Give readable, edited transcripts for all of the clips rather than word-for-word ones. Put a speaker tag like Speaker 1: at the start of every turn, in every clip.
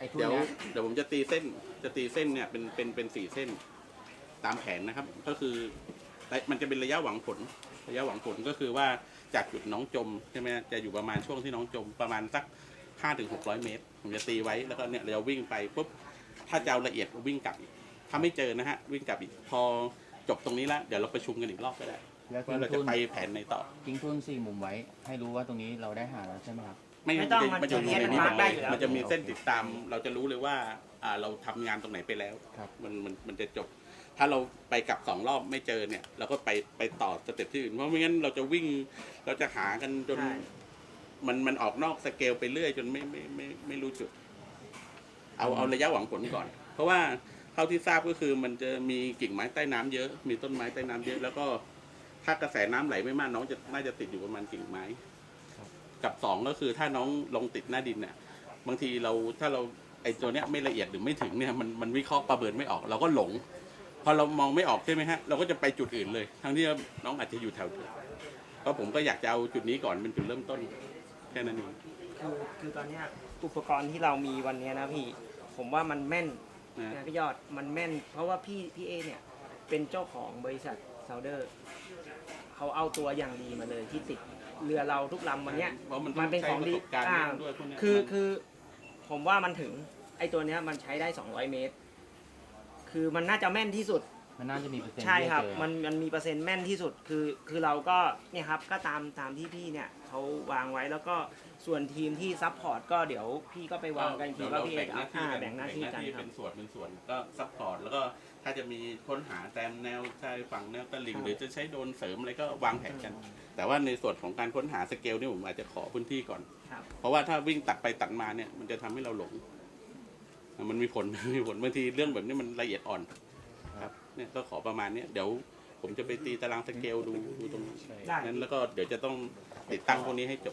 Speaker 1: เดี๋ยวผมจะตีเส้นเนี่ยเป็น4 เส้นตามแผนนะครับก็คือมันจะเป็นระยะหวังผลก็คือว่าจากจุดน้องจมใช่ไหมจะอยู่ประมาณช่วงที่น้องจมประมาณสัก500-600 เมตรผมจะตีไว้แล้วก็เนี่ยเราวิ่งไปปุ๊บถ้าจะเอาละเอียดวิ่งกลับถ้าไม่เจอนะฮะวิ่งกลับอีกพอจบตรงนี้แล้วเดี๋ยวเราประชุมกันอีกรอบก็ได้ว่าเราจะไปแผนไหนต่อ
Speaker 2: ทิ้งทุ่น4 มุมไว้ให้รู้ว่าตรงนี้เราได้หาแล้วใช่ไหมครับ
Speaker 1: ไม่ต้องมันจะอยู่ในนี้มันจะมีเส้นติดตามเราจะรู้เลยว่าเราทำงานตรงไหนไปแล้วมันจะจบถ้าเราไปกลับ2 รอบไม่เจอเนี่ยเราก็ไปต่อสเต็ปที่อื่นเพราะไม่งั้นเราจะวิ่งเราจะหากันจนมันออกนอกสเกลไปเรื่อยจนไม่รู้จุดเอาระยะหวังผลก่อนเพราะว่าเท่าที่ทราบก็คือมันจะมีกิ่งไม้ใต้น้ำเยอะมีต้นไม้ใต้น้ำเยอะแล้วก็ถ้ากระแสน้ำไหลไม่มากน้องน่าจะติดอยู่ประมาณกิ่งไม้กับ2ก็คือถ้าน้องลงติดหน้าดินเนี่ยบางทีถ้าเราไอ้ตัวเนี้ยไม่ละเอียดหรือไม่ถึงเนี่ยมันวิเคราะห์ประเมินไม่ออกเราก็หลงพอเรามองไม่ออกใช่ไหมฮะเราก็จะไปจุดอื่นเลยทั้งที่น้องอาจจะอยู่แถวเพราะผมก็อยากจะเอาจุดนี้ก่อนเป็นจุดเริ่มต้นแค่นั้นเอง
Speaker 3: คือตอนนี้อุปกรณ์ที่เรามีวันนี้นะพี่ผมว่ามันแม่นนะพี่ยอดมันแม่นเพราะว่าพี่เอเนี่ยเป็นเจ้าของบริษัทซาวเดอร์เขาเอาตัวอย่างดีมาเลยที่ติดเรือเราทุกลำวันนี้มันเป็นของดีคือผมว่ามันถึงไอตัวเนี้ยมันใช้ได้200 เมตรคือมันน่าจะแม่นที่สุด
Speaker 2: มันน่าจะมีเปอร์เซ็นต์
Speaker 3: ใช่ครับมันมีเปอร์เซ็นต์แม่นที่สุดคือเราก็เนี่ยครับก็ตามที่พี่เนี่ยเขาวางไว้แล้วก็ส่วนทีมที่ซัพพอร์ตก็เดี๋ยวพี่ก็ไปวางกันทีว่าพี่เอกแบ่งหน้าที่กันครับ
Speaker 1: เป็นส่วนก็ซัพพอร์ตแล้วก็ถ้าจะมีค้นหาแตมแนวชายฝั่งแนวตลิ่งหรือจะใช้โดรนเสริมอะไรก็วางแผนกันแต่ว่าในส่วนของการค้นหาสเกลนี่ผมอาจจะขอพื้นที่ก่อนเพราะว่าถ้าวิ่งตัดไปตัดมาเนี่ยมันจะทำให้เราหลงมันมีผลบางทีเรื่องแบบนี้มันละเอียดอ่อนครับเนี่ยก็ขอประมาณนี้เดี๋ยวผมจะไปตีตารางสเกลดูตรงนั้นแล้วก็เดี๋ยวจะต้องติดตั้งพวกนี้ให้จบ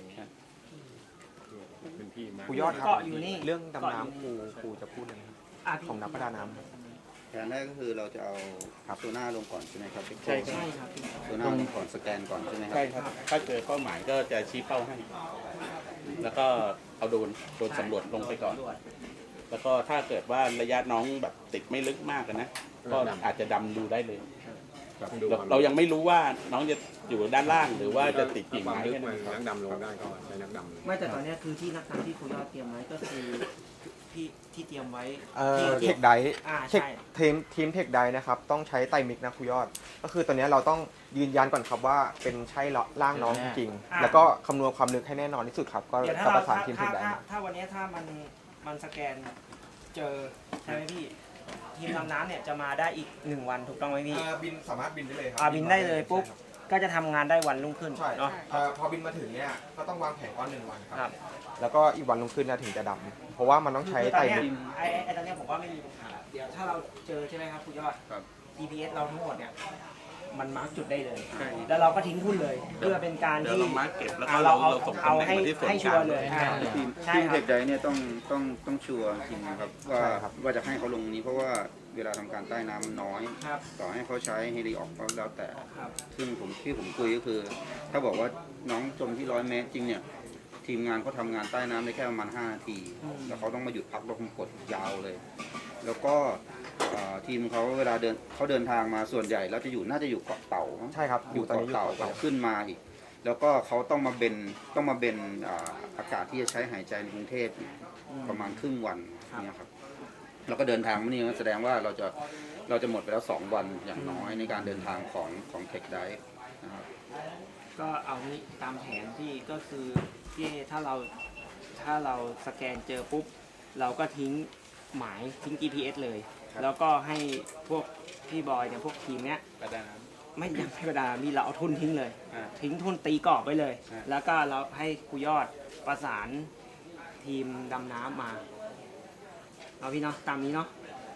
Speaker 4: ครูยอดครับเรื่องดำน้ำครูจะพูดเลยครับของนักประดาน้
Speaker 5: ำแผนแรกก็คือเราจะเอาตัวหน้าลงก่อนใช่ไหมครับ
Speaker 1: ใช่ครับ
Speaker 5: ตัวหน้าลงก่อนสแกนก่อนใช่ไหมครับ
Speaker 1: ใช่ครับถ้าเจอเป้าหมายก็จะชี้เป้าให้แล้วก็เอาโดรนสำรวจลงไปก่อนแล้วก็ถ้าเกิดว่าระยะน้องแบบติดไม่ลึกมากนะก็อาจจะดำดูได้เลยเรายังไม่รู้ว่าน้องจะอยู่ด้านล่างหรือว่าจะติดกิ่งไม้แค่ไหน
Speaker 4: นักดำลงได้ก็ใช้นักดำ
Speaker 3: ไม่แต่ตอนนี้คือที่นักดำที่ครูยอดเตรียมไว้ก็คือที่เตรียมไว้
Speaker 4: เทคไดทีมเทคไดนะครับต้องใช้ไตมิกนะครูยอดก็คือตอนนี้เราต้องยืนยันก่อนครับว่าเป็นใช่ร่างน้องจริงแล้วก็คำนวณความลึกให้แน่นอนที่สุดครับก็ประสานทีมเทคได
Speaker 3: ถ้าวันนี้ถ้ามันสแกนเจอใช่ไหมพี่ทีมดำน้ำเนี่ยจะมาได้อีก1 วันถูกต้องไหมพี่
Speaker 4: บินสามารถบินได้เลยครั
Speaker 3: บินได้เลยปุ๊บก็จะทำงานได้วันรุ่งขึ้น
Speaker 4: ใช่พอบินมาถึงเนี่ยก็ต้องวางแผนก่อน1 วันครับแล้วก็อีกวันรุ่งขึ้นนะถึงจะดำเพราะว่ามันต้องใช้ไตมิก
Speaker 3: ไอ้ตอนนี้ผมว่าไม่มีปัญหาเดี๋ยวถ้าเราเจอใช่ไหมครับคุณยอด GPS เราทั้งหมดเนี่ยมันมาร์กจุดได้เลยแล้วเราก็ทิ้งทุ่นเลยเพื่อเป็นการที่
Speaker 1: เรามาร์กเก็บแล้วก็
Speaker 3: เรา
Speaker 1: เอา
Speaker 3: ให้ชัวร์เลย
Speaker 5: ทีมเทคไดเนี่ยต้องชัวร์จริงนะครับว่าจะให้เขาลงนี้เพราะว่าเวลาทำการใต้น้ำน้อยต่อให้เขาใช้เฮลิออกก็แล้วแต่ซึ่งผมคุยก็คือถ้าบอกว่าน้องจมที่100 เมตรจริงเนี่ยทีมงานเขาทำงานใต้น้ำได้แค่ประมาณ5 นาทีแล้วเขาต้องมาหยุดพักลมกดยาวเลยแล้วก็ทีมเขาเวลาเดินทางมาส่วนใหญ่แล้วน่าจะอยู่เกาะเต่า
Speaker 4: ใช่ครับ
Speaker 5: อยู่เกาะเต่าขึ้นมาอีกแล้วก็เขาต้องมาเบนอากาศที่จะใช้หายใจในกรุงเทพประมาณครึ่งวันเนี่ยครับแล้วก็เดินทางมานี่แสดงว่าเราจะหมดไปแล้ว2 วันอย่างน้อยในการเดินทางของเทคไดฟ์นะครับ
Speaker 3: ก็เอานี้ตามแผนที่ก็คือที่ถ้าเราสแกนเจอปุ๊บเราก็ทิ้งหมายทิ้ง GPS เลยแล้วก็ให้พวกพี่บอยเนี่ยพวกทีมเนี้ยไม่ยังไม่ประดามีเราเอาทุ่นทิ้งเลยทิ้งทุ่นตีกรอบไว้เลยแล้วก็เราให้ครูยอดประสานทีมดำน้ำมาเอาพี่เนาะตามนี้เนาะ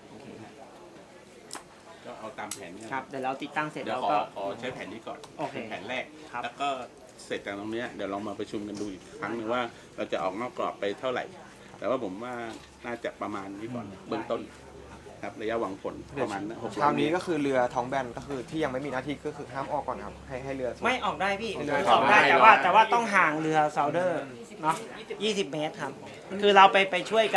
Speaker 1: ก็เอาตามแผนนี้
Speaker 3: ครับเดี๋ยวเราติดตั้งเสร็จ
Speaker 1: แล้วก็ขอใช้แผนนี้ก่อนเป็นแผนแรกแล้วก็เสร็จจากตรงนี้เดี๋ยวเรามาประชุมกันดูอีกครั้งหนึ่งว่าเราจะออกนอกกรอบไปเท่าไหร่แต่ว่าผมว่าน่าจะประมาณนี้ก่อนเบื้องต้นครับระยะหวังผลประมาณนั้น
Speaker 4: คราวนี้ก็คือเรือท้องแบนก็คือที่ยังไม่มีหน้าที่ก็คือห้ามออกก่อนครับให้เรือ
Speaker 3: ไม่ออกได้พี่ออกได้แต่ว่าต้องห่างเรือซาวเดอร์เนาะ20 เมตรครับคือเราไปช่วยกัน